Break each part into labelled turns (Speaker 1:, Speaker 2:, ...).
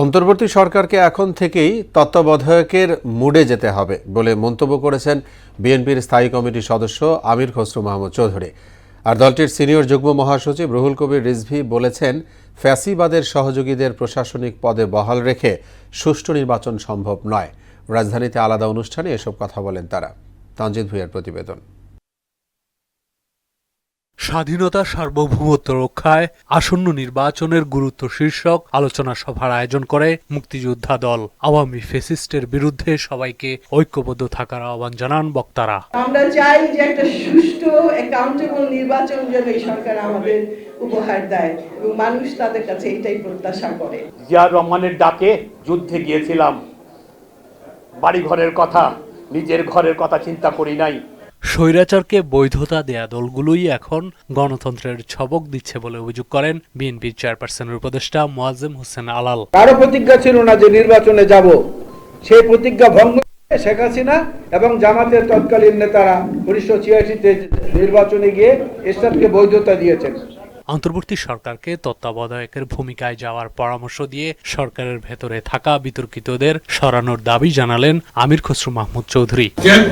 Speaker 1: অন্তর্বর্তী সরকারকে এখন থেকেই তত্ত্বাবধায়কের মুডে যেতে হবে বলে মন্তব্য করেছেন বিএনপির স্থায়ী কমিটির সদস্য আমির খসরু মাহমুদ চৌধুরী। আর দলটির সিনিয়র যুগ্ম মহাসচিব রুহুল কবির রিজভী বলেছেন, ফ্যাসিবাদের সহযোগীদের প্রশাসনিক পদে বহাল রেখে সুষ্ঠু নির্বাচন সম্ভব নয়। রাজধানীতে আলাদা অনুষ্ঠানে এসব কথা বলেন তারা। তানজিদ ভুঁইয়ার প্রতিবেদন।
Speaker 2: স্বাধীনতা সার্বভৌমত্ব রক্ষায় আসন্ন নির্বাচনের গুরুত্ব শীর্ষক আলোচনা সভার আয়োজন করে মুক্তিযোদ্ধা দল। আওয়ামী ফ্যাসিস্টের বিরুদ্ধে সবাইকে ঐক্যবদ্ধ থাকার আহ্বান জানান বক্তারা।
Speaker 3: আমরা চাই যে একটা সুষ্ঠু অ্যাকাউন্টেবল নির্বাচন যেন এই সরকার আমাদের উপহার দেয় এবং মানুষ তাদের কাছে এটাই প্রত্যাশা করে।
Speaker 4: জিয়া রহমানের ডাকে যুদ্ধে গিয়েছিলাম, বাড়ি ঘরের কথা, নিজের ঘরের কথা চিন্তা করি নাই।
Speaker 2: স্বৈরাচারকে বৈধতা দেয়া দলগুলোই এখন গণতন্ত্রের ছবক দিচ্ছে বলে অভিযোগ করেন বিএনপির চেয়ারপারসনের উপদেষ্টা মোয়াজ্জেম হোসেন আলাল।
Speaker 5: কারো প্রতিজ্ঞা ছিল না যে নির্বাচনে যাব, সেই প্রতিজ্ঞা ভঙ্গ করে শেখ হাসিনা এবং জামাতের তৎকালীন নেতারা 1986-তে নির্বাচনে গিয়ে এরশাদকে বৈধতা দিয়েছেন।
Speaker 2: অন্তর্বর্তী সরকারকে তত্ত্বাবধায়কের ভূমিকায় যাওয়ার পরামর্শ দিয়ে সরকারের ভেতরে থাকা বিতর্কিতদের সরানোর দাবি জানালেন আমির খসরু মাহমুদ চৌধুরী।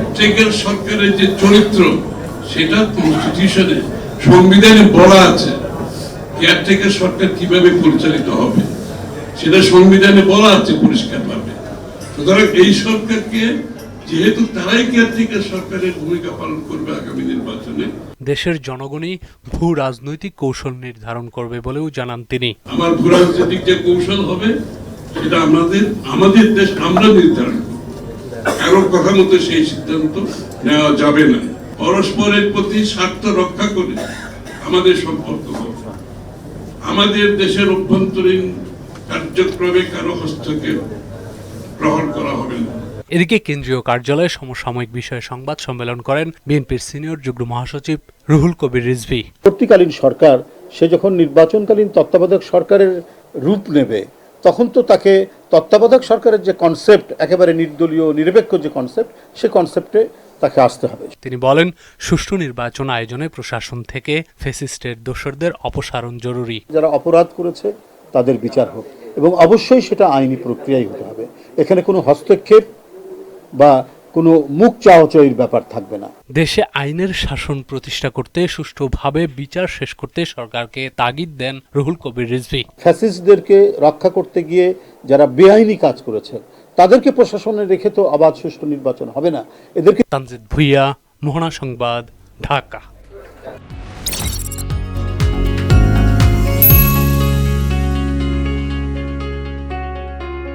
Speaker 6: সরকারের যে চরিত্র সেটা কনস্টিটিউশনে, সংবিধানে বলা আছে কেয়ারটেকার সরকার কিভাবে পরিচালিত হবে, সেটা সংবিধানে বলা আছে পরিষ্কারভাবে। সুতরাং এই সরকারকে, যেহেতু তারাই কেয়ারটেকার সরকারের ভূমিকা পালন করবে আগামী নির্বাচনে,
Speaker 2: দেশের জনগণই ভূ রাজনৈতিক কৌশল নির্ধারণ করবে বলেও জানান তিনি।
Speaker 6: আমার ভূ রাজনৈতিক যে কৌশল হবে সেটা আমাদের দেশ আমরা নির্ধারণ করব। কারোর কথা মতো সেই সিদ্ধান্ত নেওয়া যাবে না। পরস্পরের প্রতি স্বার্থ রক্ষা করে আমাদের সম্পর্ক হবে। আমাদের দেশের অভ্যন্তরীণ কার্যক্রমে কারো হস্তক্ষেপ গ্রহণ করা হবে না।
Speaker 2: এদিকে কেন্দ্রীয় কার্যালয়ে সমসাময়িক বিষয়ে সংবাদ সম্মেলন করেন বিএনপির সিনিয়র যুগ্ম মহাসচিব রুহুল কবির রিজভী।
Speaker 7: পরবর্তীকালীন সরকার সে যখন নির্বাচনকালীন তত্ত্বাবধায়ক সরকারের রূপ নেবে, তখন তো তাকে তত্ত্বাবধায়ক সরকারের যে কনসেপ্ট, একেবারে নির্দলীয় নিরপেক্ষ যে কনসেপ্ট, সে কনসেপ্টে তাকে আসতে হবে।
Speaker 2: তিনি বলেন, সুষ্ঠু নির্বাচন আয়োজনে প্রশাসন থেকে ফ্যাসিস্টের দোসরদের অপসারণ জরুরি।
Speaker 7: যারা অপরাধ করেছে তাদের বিচার হোক এবং অবশ্যই সেটা আইনি প্রক্রিয়াই হতে হবে। এখানে কোনো হস্তক্ষেপ বা কোনো মুখ চাওয়াচাওয়ির ব্যাপার থাকবে না।
Speaker 2: দেশে আইনের শাসন প্রতিষ্ঠা করতে সুষ্ঠুভাবে বিচার শেষ করতে সরকারকে তাগিদ দেন রুহুল কবির রিজভী।
Speaker 7: ফ্যাসিস্টদেরকে রক্ষা করতে গিয়ে যারা বেআইনি কাজ করেছে তাদেরকে প্রশাসনে রেখে তো অবাধ সুষ্ঠু নির্বাচন হবে না। এদেরকে।
Speaker 2: তানজিদ ভুঁইয়া, মোহনা সংবাদ, ঢাকা।